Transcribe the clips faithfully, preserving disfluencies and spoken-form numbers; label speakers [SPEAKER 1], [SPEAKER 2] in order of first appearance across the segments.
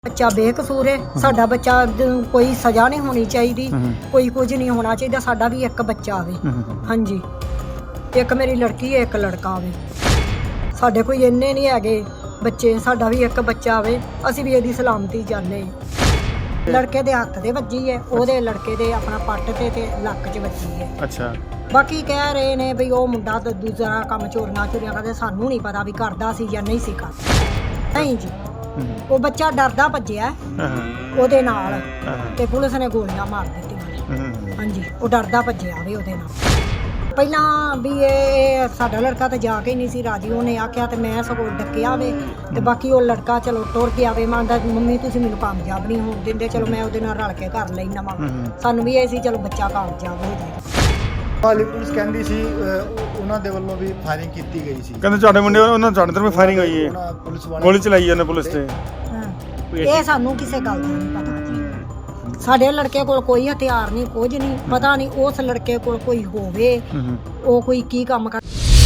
[SPEAKER 1] ਬੱਚਾ ਬੇਕਸੂਰ ਹੈ। ਸਾਡਾ ਬੱਚਾ ਕੋਈ ਸਜ਼ਾ ਨਹੀਂ ਹੋਣੀ ਚਾਹੀਦੀ, ਕੋਈ ਕੁਝ ਨਹੀਂ ਹੋਣਾ ਚਾਹੀਦਾ। ਸਾਡਾ ਵੀ ਇੱਕ ਬੱਚਾ ਆਵੇ, ਹਾਂਜੀ, ਇੱਕ ਮੇਰੀ ਲੜਕੀ ਹੈ, ਇੱਕ ਲੜਕਾ ਆਵੇ। ਸਾਡੇ ਕੋਈ ਇੰਨੇ ਨਹੀਂ ਹੈਗੇ ਬੱਚੇ, ਸਾਡਾ ਵੀ ਇੱਕ ਬੱਚਾ ਆਵੇ। ਅਸੀਂ ਵੀ ਇਹਦੀ ਸਲਾਮਤੀ ਚਾਹੁੰਦੇ ਹਾਂ। ਲੜਕੇ ਦੇ ਹੱਥ ਦੇ ਵੱਜੀ ਹੈ, ਉਹਦੇ ਲੜਕੇ ਦੇ ਆਪਣਾ ਪੱਟ ਤੇ ਤੇ ਲੱਕ 'ਚ ਵੱਜੀ ਹੈ।
[SPEAKER 2] ਅੱਛਾ।
[SPEAKER 1] ਬਾਕੀ ਕਹਿ ਰਹੇ ਨੇ ਵੀ ਉਹ ਮੁੰਡਾ ਤਾਂ ਦੂਸਰਾ ਕੰਮ ਚੋਰੀਆਂ ਚੋਰੀਆਂ ਕਰਦੇ, ਸਾਨੂੰ ਨਹੀਂ ਪਤਾ ਵੀ ਕਰਦਾ ਸੀ ਜਾਂ ਨਹੀਂ ਸੀ ਕਰਦਾ। ਨਹੀਂ ਜੀ, ਉਹ ਬੱਚਾ ਡਰਦਾ ਭੱਜਿਆ ਉਹਦੇ ਨਾਲ ਤੇ ਪੁਲਿਸ ਨੇ ਗੋਲੀਆਂ ਮਾਰ ਦਿੱਤੀਆਂ। ਹਾਂਜੀ, ਉਹ ਡਰਦਾ ਭੱਜਿਆ ਵੀ ਉਹਦੇ ਨਾਲ। ਪਹਿਲਾਂ ਵੀ ਇਹ ਸਾਡਾ ਲੜਕਾ ਤਾਂ ਜਾ ਕੇ ਹੀ ਨਹੀਂ ਸੀ ਰਾਜੀ, ਉਹਨੇ ਆਖਿਆ ਤੇ ਮੈਂ ਸਗੋਂ ਡੱਕਿਆ ਵੇ ਤੇ ਬਾਕੀ ਉਹ ਲੜਕਾ ਚਲੋ ਟੁਰ ਗਿਆ ਵੇ। ਮੰਨਦਾ ਮੰਮੀ ਤੁਸੀਂ ਮੈਨੂੰ ਕਾਮਯਾਬ ਨਹੀਂ ਹੋਣ ਦਿੰਦੇ, ਚਲੋ ਮੈਂ ਉਹਦੇ ਨਾਲ ਰਲ ਕੇ ਕਰ ਲੈਣਾ ਵਾ। ਸਾਨੂੰ ਵੀ ਇਹ ਸੀ ਚਲੋ ਬੱਚਾ ਕਾਮਯਾਬ ਹੋ ਜਾਏ।
[SPEAKER 3] ਹਾਲੀ ਪੁਲਿਸ ਕਹਿੰਦੀ ਸੀ ਉਹਨਾਂ ਦੇ ਵੱਲੋਂ ਵੀ ਫਾਇਰਿੰਗ ਕੀਤੀ ਗਈ ਸੀ।
[SPEAKER 2] ਕਹਿੰਦੇ ਤੁਹਾਡੇ ਮੁੰਡੇ ਉਹਨਾਂ ਤੁਹਾਡੇ ਤਰਫ ਫਾਇਰਿੰਗ ਹੋਈ ਹੈ,
[SPEAKER 3] ਪੁਲਿਸ ਵਾਲੇ
[SPEAKER 2] ਗੋਲੀ ਚਲਾਈ ਉਹਨੇ ਪੁਲਿਸ ਤੇ।
[SPEAKER 1] ਇਹ ਸਾਨੂੰ ਕਿਸੇ ਗੱਲ ਦਾ ਨਹੀਂ ਪਤਾ ਜੀ। ਸਾਡੇ ਲੜਕੇ ਕੋਲ ਕੋਈ ਹਥਿਆਰ ਨਹੀਂ, ਕੁਝ ਨਹੀਂ ਪਤਾ। ਨਹੀਂ ਉਸ ਲੜਕੇ ਕੋਲ ਕੋਈ ਹੋਵੇ, ਉਹ ਕੋਈ ਕੀ ਕੰਮ ਕਰ।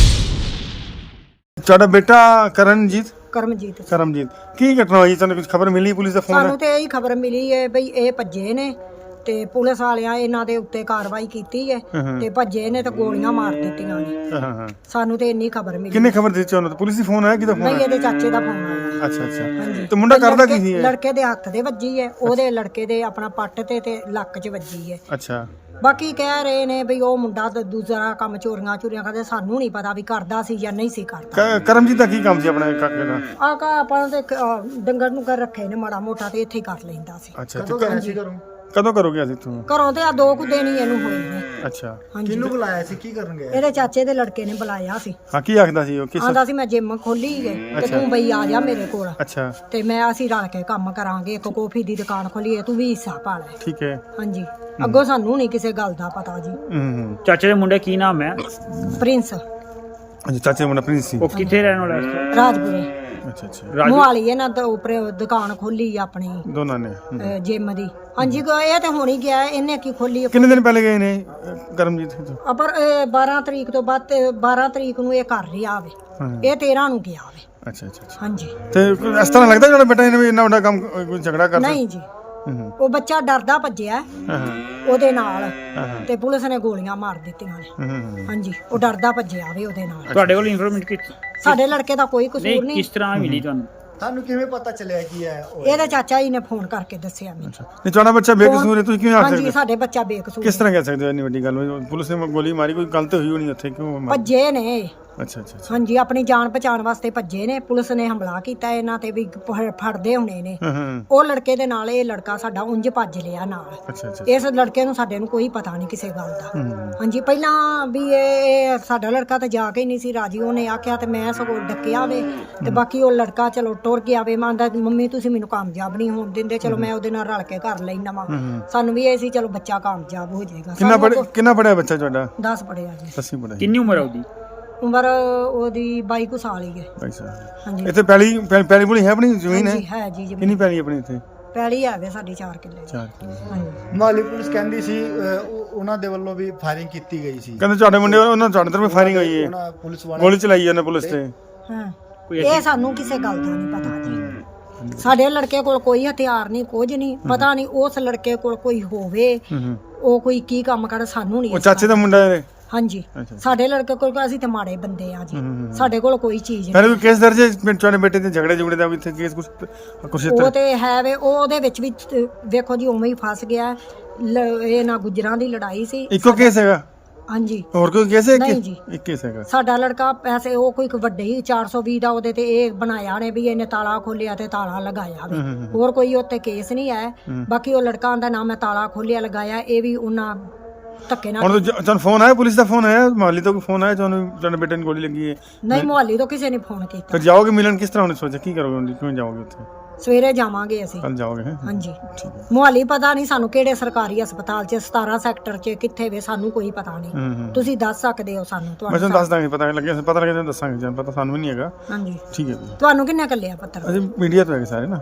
[SPEAKER 2] ਤੁਹਾਡਾ ਬੇਟਾ ਕਰਨਜੀਤ
[SPEAKER 1] ਕਰਮਜੀਤ
[SPEAKER 2] ਕਰਮਜੀਤ ਕੀ ਘਟਨਾ ਹੋਈ? ਤੁਹਾਨੂੰ ਕੁਝ ਖਬਰ ਮਿਲੀ? ਪੁਲਿਸ ਦਾ ਫੋਨ?
[SPEAKER 1] ਸਾਨੂੰ ਤੇ ਇਹੀ ਖਬਰ ਮਿਲੀ ਹੈ ਬਈ ਇਹ ਭੱਜੇ ਨੇ ਤੇ ਪੁਲਿਸ ਵਾਲਿਆਂ ਇਹਨਾਂ ਦੇ ਉੱਤੇ ਕਾਰਵਾਈ ਕੀਤੀ ਹੈ ਤੇ ਭੱਜੇ ਨੇ ਤੇ ਗੋਲੀਆਂ ਮਾਰ ਦਿੱਤੀਆਂ ਨੇ।
[SPEAKER 2] ਹਾਂ ਹਾਂ।
[SPEAKER 1] ਸਾਨੂੰ ਤੇ ਇੰਨੀ ਖਬਰ ਮਿਲੀ।
[SPEAKER 2] ਕਿੰਨੇ ਖਬਰ ਦਿੱਤੀ ਉਹਨਾਂ? ਪੁਲਿਸ ਦੀ ਫੋਨ ਆਇਆ? ਕਿਹਦਾ ਫੋਨ?
[SPEAKER 1] ਨਹੀਂ, ਇਹਦੇ ਚਾਚੇ ਦਾ ਫੋਨ ਆਇਆ।
[SPEAKER 2] ਅੱਛਾ ਅੱਛਾ।
[SPEAKER 1] ਹਾਂਜੀ।
[SPEAKER 2] ਤੇ ਮੁੰਡਾ ਕਰਦਾ ਕੀ ਸੀ ਇਹ?
[SPEAKER 1] ਲੜਕੇ ਦੇ ਹੱਥ ਦੇ ਵੱਜੀ ਹੈ, ਉਹਦੇ ਲੜਕੇ ਦੇ ਆਪਣਾ ਪੱਟ ਤੇ ਤੇ ਲੱਕ 'ਚ ਵੱਜੀ ਹੈ।
[SPEAKER 2] ਅੱਛਾ।
[SPEAKER 1] ਬਾਕੀ ਕਹਿ ਰਹੇ ਨੇ ਵੀ ਉਹ ਮੁੰਡਾ ਤਾਂ ਦੂਸਰਾ ਕੰਮ ਚੋਰੀਆਂ ਚੋਰੀਆਂ ਕਰਦੇ, ਸਾਨੂੰ ਨਹੀਂ ਪਤਾ ਵੀ ਕਰਦਾ ਸੀ ਜਾਂ ਨਹੀਂ ਸੀ ਕਰਦਾ।
[SPEAKER 2] ਕਰਮਜੀਤ ਦਾ ਕੀ ਕੰਮ ਸੀ ਆਪਣੇ ਕਾਕੇ ਦਾ?
[SPEAKER 1] ਆਕਾ ਆਪਾਂ ਤੇ ਡੰਗਰ ਨੂੰ ਕਰ ਰੱਖੇ ਨੇ ਮਾੜਾ ਮੋਟਾ ਤੇ ਇੱਥੇ ਹੀ ਕਰ ਲੈਂਦਾ ਸੀ।
[SPEAKER 2] ਅੱਛਾ।
[SPEAKER 3] ਕਦੋਂ ਗਿਆ ਸੀ ਘਰੋਂ?
[SPEAKER 2] ਕਦੋਂ ਕਰੋਗੇ ਅਸੀਂ ਤੂੰ?
[SPEAKER 1] ਘਰੋਂ ਤੇ ਆ ਦੋ ਕੁ ਦਿਨ ਹੀ ਇਹਨੂੰ ਹੋਏ ਨੇ।
[SPEAKER 2] ਅੱਛਾ।
[SPEAKER 1] ਹਾਂਜੀ।
[SPEAKER 3] ਕਿਹਨੂੰ ਬੁਲਾਇਆ ਸੀ, ਕੀ ਕਰਨ ਗਿਆ?
[SPEAKER 1] ਇਹਦੇ ਚਾਚੇ ਦੇ ਲੜਕੇ ਨੇ ਬੁਲਾਇਆ ਸੀ।
[SPEAKER 2] ਹਾਂ, ਕੀ ਆਖਦਾ ਸੀ ਉਹ? ਕਿਸ?
[SPEAKER 1] ਆਂਦਾ ਸੀ ਮੈਂ ਜਿਮ ਖੋਲੀ ਹੈ ਤੇ ਤੂੰ ਬਈ ਆ ਜਾ ਮੇਰੇ ਕੋਲ
[SPEAKER 2] ਅੱਛਾ।
[SPEAKER 1] ਤੇ ਮੈਂ ਅਸੀਂ ਰਲ ਕੇ ਕੰਮ ਕਰਾਂਗੇ। ਇੱਕ ਕੌਫੀ ਦੀ ਦੁਕਾਨ ਖੋਲੀ ਹੈ, ਤੂੰ ਵੀ ਹਿੱਸਾ ਪਾ ਲੈ।
[SPEAKER 2] ਠੀਕ ਹੈ।
[SPEAKER 1] ਹਾਂਜੀ। ਅੱਗੋਂ ਸਾਨੂੰ ਨਹੀਂ ਕਿਸੇ ਗੱਲ ਦਾ ਪਤਾ ਜੀ।
[SPEAKER 2] ਹੂੰ।
[SPEAKER 4] ਚਾਚੇ ਦੇ ਮੁੰਡੇ ਕੀ ਨਾਮ ਹੈ?
[SPEAKER 1] ਪ੍ਰਿੰਸ।
[SPEAKER 2] ਅੱਛਾ, ਚਾਚੇ ਮੁੰਡਾ ਪ੍ਰਿੰਸ ਸੀ।
[SPEAKER 4] ਉਹ ਕਿੱਥੇ ਰਹਿਣ ਵਾਲਾ ਹੈ?
[SPEAKER 1] ਰਾਜਪੁਰੇ।
[SPEAKER 2] ਅੱਛਾ ਅੱਛਾ।
[SPEAKER 4] ਰਾਜੂ
[SPEAKER 1] ਮੁਹਾਲੀ ਇਹਨਾਂ ਦਾ ਉੱਪਰ ਦੁਕਾਨ ਖੋਲੀ ਆਪਣੀ
[SPEAKER 2] ਦੋਨਾਂ ਨੇ।
[SPEAKER 1] ਜਿਮ ਦੀ। ਹਾਂਜੀ, ਇਹ ਤੇ ਹੋਣੀ ਗਿਆ। ਇਹਨੇ ਕੀ ਖੋਲੀ?
[SPEAKER 2] ਕਿੰਨੇ ਦਿਨ ਪਹਿਲੇ ਗਏ ਨੇ ਕਰਮਜੀਤ?
[SPEAKER 1] ਪਰ ਇਹ ਬਾਰਾਂ ਤਰੀਕ ਤੋਂ ਬਾਅਦ ਤੇ ਬਾਰਾਂ ਤਰੀਕ ਨੂੰ ਇਹ ਘਰ ਰਿਹਾ ਵੇ, ਇਹ ਤੇਰਾਂ ਨੂੰ ਗਿਆ ਵੇ।
[SPEAKER 2] ਅੱਛਾ ਅੱਛਾ।
[SPEAKER 1] ਹਾਂਜੀ।
[SPEAKER 2] ਤੇ ਇਸ ਤਰ੍ਹਾਂ ਲੱਗਦਾ ਜਿਹੜਾ ਬੇਟਾ ਇਹਨੇ ਵੀ ਇੰਨਾ ਵੱਡਾ ਕੰਮ ਕੋਈ ਝਗੜਾ ਕਰਦਾ?
[SPEAKER 1] ਨਹੀਂ ਜੀ, ਉਹ ਬੱਚਾ ਡਰਦਾ ਭੱਜਿਆ ਉਹਦੇ ਨਾਲ ਤੇ ਪੁਲਿਸ ਨੇ ਗੋਲੀਆਂ ਮਾਰ ਦਿੱਤੀਆਂ ਨੇ। ਹਾਂਜੀ, ਉਹ ਡਰਦਾ ਭੱਜਿਆ ਵੇ ਉਹਦੇ ਨਾਲ।
[SPEAKER 4] ਤੁਹਾਡੇ ਕੋਲ ਇਨਫੋਰਮੇਸ਼ਨ ਕੀਤੀ?
[SPEAKER 1] ਸਾਡੇ ਲੜਕੇ ਦਾ ਕੋਈ ਕਸੂਰ
[SPEAKER 4] ਨਹੀਂ,
[SPEAKER 1] ਨਹੀਂ।
[SPEAKER 4] ਕਿਸ ਤਰ੍ਹਾਂ ਮਿਲੀ ਤੁਹਾਨੂੰ?
[SPEAKER 3] ਤੁਹਾਨੂੰ ਕਿਵੇਂ ਪਤਾ ਚੱਲਿਆ ਕੀ ਹੈ?
[SPEAKER 1] ਇਹਦਾ ਚਾਚਾ ਜੀ ਨੇ ਫੋਨ ਕਰਕੇ ਦੱਸਿਆ ਮੈਨੂੰ।
[SPEAKER 2] ਨਹੀਂ, ਤੁਹਾਡਾ ਬੱਚਾ ਬੇਕਸੂਰ ਹੈ, ਤੁਸੀਂ ਕਿਵੇਂ ਆਖ ਸਕਦੇ?
[SPEAKER 1] ਹਾਂਜੀ, ਸਾਡੇ ਬੱਚਾ ਬੇਕਸੂਰ।
[SPEAKER 2] ਕਿਸ ਤਰ੍ਹਾਂ ਕਹਿ ਸਕਦੇ ਹੋ ਇੰਨੀ ਵੱਡੀ ਗੱਲ? ਪੁਲਿਸ ਨੇ ਗੋਲੀ ਮਾਰੀ, ਕੋਈ ਗਲਤ ਹੋਈ ਹੋਣੀ ਉੱਥੇ, ਕਿਉਂ ਮਾਰੀ?
[SPEAKER 1] ਭੱਜੇ ਨੇ।
[SPEAKER 2] ਅੱਛਾ ਅੱਛਾ।
[SPEAKER 1] ਹਾਂਜੀ, ਆਪਣੀ ਜਾਨ ਬਚਾਉਣ ਵਾਸਤੇ ਭੱਜੇ ਨੇ। ਪੁਲਿਸ ਨੇ ਹਮਲਾ ਕੀਤਾ ਇਹਨਾਂ ਤੇ ਵੀ ਫ- ਫੜਦੇ ਹੋਣੇ ਨੇ।
[SPEAKER 2] ਹਾਂ ਹਾਂ।
[SPEAKER 1] ਉਹ ਲੜਕੇ ਦੇ ਨਾਲ ਇਹ ਲੜਕਾ ਸਾਡਾ ਉਂਝ ਭੱਜ ਲਿਆ ਨਾਲ।
[SPEAKER 2] ਅੱਛਾ ਅੱਛਾ।
[SPEAKER 1] ਇਸ ਲੜਕੇ ਨੂੰ ਸਾਡੇ ਨੂੰ ਕੋਈ ਪਤਾ ਨਹੀਂ ਕਿਸੇ ਗੱਲ ਦਾ। ਹਾਂਜੀ, ਪਹਿਲਾਂ ਵੀ ਇਹ ਸਾਡਾ ਲੜਕਾ ਤਾਂ ਜਾ ਕੇ ਹੀ ਨਹੀਂ ਸੀ ਰਾਜੀ, ਉਹਨੇ ਆਖਿਆ ਤੇ ਮੈਂ ਸਗੋਂ ਡੱਕਿਆ ਵੇ ਤੇ ਬਾਕੀ ਉਹ ਲੜਕਾ ਚਲੋ ਟੁਰ ਗਿਆ ਵੇ। ਮੰਨਦਾ ਮੰਮੀ ਤੁਸੀਂ ਮੈਨੂੰ ਕਾਮਯਾਬ ਨਹੀਂ ਹੋਣ ਦਿੰਦੇ, ਚਲੋ ਮੈਂ ਉਹਦੇ ਨਾਲ ਰਲ ਕੇ ਕਰ ਲੈਣਾ ਵਾ। ਸਾਨੂੰ ਵੀ ਇਹ ਸੀ ਚਲੋ ਬੱਚਾ ਕਾਮਯਾਬ ਹੋ ਜਾਏਗਾ।
[SPEAKER 2] ਕਿੰਨਾ ਪੜ੍ਹਿਆ ਕਿੰਨਾ ਪੜ੍ਹਿਆ ਬੱਚਾ ਤੁਹਾਡਾ?
[SPEAKER 1] ਦਸ ਪੜਿਆ ਜੀ।
[SPEAKER 2] ਅਸੀਂ ਪੜ੍ਹਿਆ।
[SPEAKER 4] ਕਿੰਨੀ ਉਮਰ ਹੈ ਉਹਦੀ?
[SPEAKER 1] ਉਮਰ ਉਹਦੀ ਬਾਈ ਕੁ ਸਾਲ ਹੀ ਹੈ।
[SPEAKER 2] ਬਾਈ ਸਾਹਿਬ।
[SPEAKER 1] ਹਾਂਜੀ।
[SPEAKER 2] ਇੱਥੇ ਪਹਿਲੀ ਪਹਿਲੀ ਬੁਲੀ ਹੈ ਆਪਣੀ ਜ਼ਮੀਨ ਹੈ?
[SPEAKER 1] ਹਾਂਜੀ, ਹੈ ਜੀ ਜ਼ਮੀਨ।
[SPEAKER 2] ਕਿੰਨੀ ਪਹਿਲੀ ਆਪਣੀ ਇੱਥੇ?
[SPEAKER 1] ਪੈਲੀ ਹੈਗੇ ਸਾਡੀ ਚਾਰ ਕਿੱਲੇ।
[SPEAKER 2] ਚਾਰ ਕਿੱਲੇ।
[SPEAKER 1] ਹਾਂਜੀ।
[SPEAKER 3] ਹਾਲੀ ਪੁਲਿਸ ਕਹਿੰਦੀ ਸੀ ਉਹਨਾਂ ਦੇ ਵੱਲੋਂ ਵੀ ਫਾਇਰਿੰਗ ਕੀਤੀ ਗਈ ਸੀ।
[SPEAKER 2] ਕਹਿੰਦੇ ਤੁਹਾਡੇ ਮੁੰਡੇ ਉਹਨਾਂ ਤੁਹਾਡੇ ਤਰਫ ਫਾਇਰਿੰਗ ਹੋਈ ਹੈ,
[SPEAKER 3] ਉਹਨਾਂ ਪੁਲਿਸ ਵਾਲੇ
[SPEAKER 2] ਗੋਲੀ ਚਲਾਈ ਉਹਨੇ ਪੁਲਿਸ ਤੇ।
[SPEAKER 1] ਹਾਂ, ਇਹ ਸਾਨੂੰ ਕਿਸੇ ਗੱਲ ਦਾ ਨਹੀਂ ਪਤਾ ਜੀ। ਸਾਡੇ ਲੜਕੇ ਕੋਲ ਕੋਈ ਹਥਿਆਰ ਨਹੀਂ, ਕੁਝ ਨਹੀਂ ਪਤਾ। ਨਹੀਂ ਉਸ ਲੜਕੇ ਕੋਲ ਕੋਈ ਹੋਵੇ, ਉਹ ਕੋਈ ਕੀ ਕੰਮ ਕਰ, ਸਾਨੂੰ ਨਹੀਂ।
[SPEAKER 2] ਉਹ ਚਾਚੇ ਦਾ ਮੁੰਡਾ ਹੈ?
[SPEAKER 1] ਹਾਂਜੀ। ਸਾਡੇ ਲੜਕੇ ਕੋਲ ਅਸੀਂ ਤੇ ਮਾੜੇ ਬੰਦੇ ਆ ਜੀ, ਸਾਡੇ ਕੋਲ ਕੋਈ ਚੀਜ਼
[SPEAKER 2] ਫਿਰ
[SPEAKER 1] ਨਹੀਂ।
[SPEAKER 2] ਵੀ ਕੇਸ ਦਰਜ ਹੈ ਤੁਹਾਡੇ ਬੇਟੇ ਦੇ ਝਗੜੇ ਝੁਗੜੇ ਦਾ? ਵੀ ਇੱਥੇ ਕੇਸ ਕੁਛ ਕੁਛ
[SPEAKER 1] ਉਹ ਤੇ ਹੈ ਵੇ, ਉਹ ਉਹਦੇ ਵਿੱਚ ਵੀ ਵੇਖੋ ਜੀ ਉਵੇਂ ਹੀ ਫਸ ਗਿਆ। ਲ- ਇਹ ਨਾ ਗੁੱਜਰਾਂ ਦੀ ਲੜਾਈ ਸੀ।
[SPEAKER 2] ਇੱਕੋ ਕੇਸ ਹੈਗਾ?
[SPEAKER 1] ਹਾਂਜੀ।
[SPEAKER 2] ਹੋਰ ਕੋਈ ਕੇਸ ਹੈ?
[SPEAKER 1] ਨਹੀਂ ਜੀ।
[SPEAKER 2] ਇੱਕ ਕੇਸ ਹੈਗਾ।
[SPEAKER 1] ਸਾਡਾ ਲੜਕਾ ਪੈਸੇ ਉਹ ਕੋਈ ਵੱਡੇ ਹੀ ਚਾਰ ਸੌ ਵੀਹ ਦਾ ਉਹਦੇ ਤੇ ਇਹ ਬਣਾਇਆ ਨੇ ਵੀ ਇਹਨੇ ਤਾਲਾ ਖੋਲਿਆ ਤੇ ਤਾਲਾ ਲਗਾਇਆ ਵੇ। ਹੋਰ ਕੋਈ ਉੱਤੇ ਕੇਸ ਨਹੀਂ ਹੈ। ਬਾਕੀ ਉਹ ਲੜਕਾ ਦਾ ਨਾਮ ਹੈ ਤਾਲਾ ਖੋਲਿਆ ਲਗਾਇਆ, ਇਹ ਵੀ ਉਹਨਾਂ ਧੱਕੇ ਨਾਲ।
[SPEAKER 2] ਹੁਣ ਤੁਹਾਨੂੰ ਫੋਨ ਆਇਆ? ਪੁਲਿਸ ਦਾ ਫੋਨ ਆਇਆ? ਮਾਲੀ ਤੋਂ ਕੋਈ ਫੋਨ ਆਇਆ ਤੁਹਾਨੂੰ ਤੁਹਾਡੇ ਬੇਟੇ ਨੂੰ ਗੋਲੀ ਲੱਗੀ ਹੈ?
[SPEAKER 1] ਨਹੀਂ, ਮੁਹਾਲੀ ਤੋਂ ਕਿਸੇ ਨੇ ਫੋਨ ਕੀਤਾ।
[SPEAKER 2] ਫਿਰ ਜਾਓਗੇ ਮਿਲਣ? ਕਿਸ ਤਰ੍ਹਾਂ ਉਹਨੇ ਸੋਚਿਆ ਕੀ ਕਰੋਗੇ ਹੁਣ? ਕਿਵੇਂ ਜਾਓਗੇ ਉੱਥੇ?
[SPEAKER 1] ਸਵੇਰੇ ਜਾਵਾਂਗੇ ਅਸੀਂ।
[SPEAKER 2] ਕੱਲ ਜਾਓਗੇ? ਹੈਂ?
[SPEAKER 1] ਹਾਂਜੀ।
[SPEAKER 2] ਠੀਕ ਹੈ।
[SPEAKER 1] ਮੁਹਾਲੀ ਪਤਾ ਨਹੀਂ ਸਾਨੂੰ ਕਿਹੜੇ ਸਰਕਾਰੀ ਹਸਪਤਾਲ 'ਚ, ਸਤਾਰਾਂ ਸੈਕਟਰ 'ਚ ਕਿੱਥੇ ਵੇ, ਸਾਨੂੰ ਕੋਈ ਪਤਾ ਨਹੀਂ।
[SPEAKER 2] ਹੂੰ ਹੂੰ।
[SPEAKER 1] ਤੁਸੀਂ ਦੱਸ ਸਕਦੇ ਹੋ ਸਾਨੂੰ?
[SPEAKER 2] ਮੈਂ ਤੁਹਾਨੂੰ ਦੱਸ ਦਾਂਗੇ, ਪਤਾ ਲੱਗਿਆ ਪਤਾ ਲੱਗਿਆ ਤੁਹਾਨੂੰ ਦੱਸਾਂਗੇ, ਜਾਂ ਪਤਾ ਸਾਨੂੰ ਵੀ ਨਹੀਂ ਹੈਗਾ।
[SPEAKER 1] ਹਾਂਜੀ।
[SPEAKER 2] ਠੀਕ ਹੈ ਜੀ।
[SPEAKER 1] ਤੁਹਾਨੂੰ ਕਿੰਨੇ ਕੱਲਿਆ ਪੱਤਰ?
[SPEAKER 2] ਅਸੀਂ ਮੀਡੀਆ ਤੋਂ ਹੈਗੇ ਸਾਰੇ ਨਾ।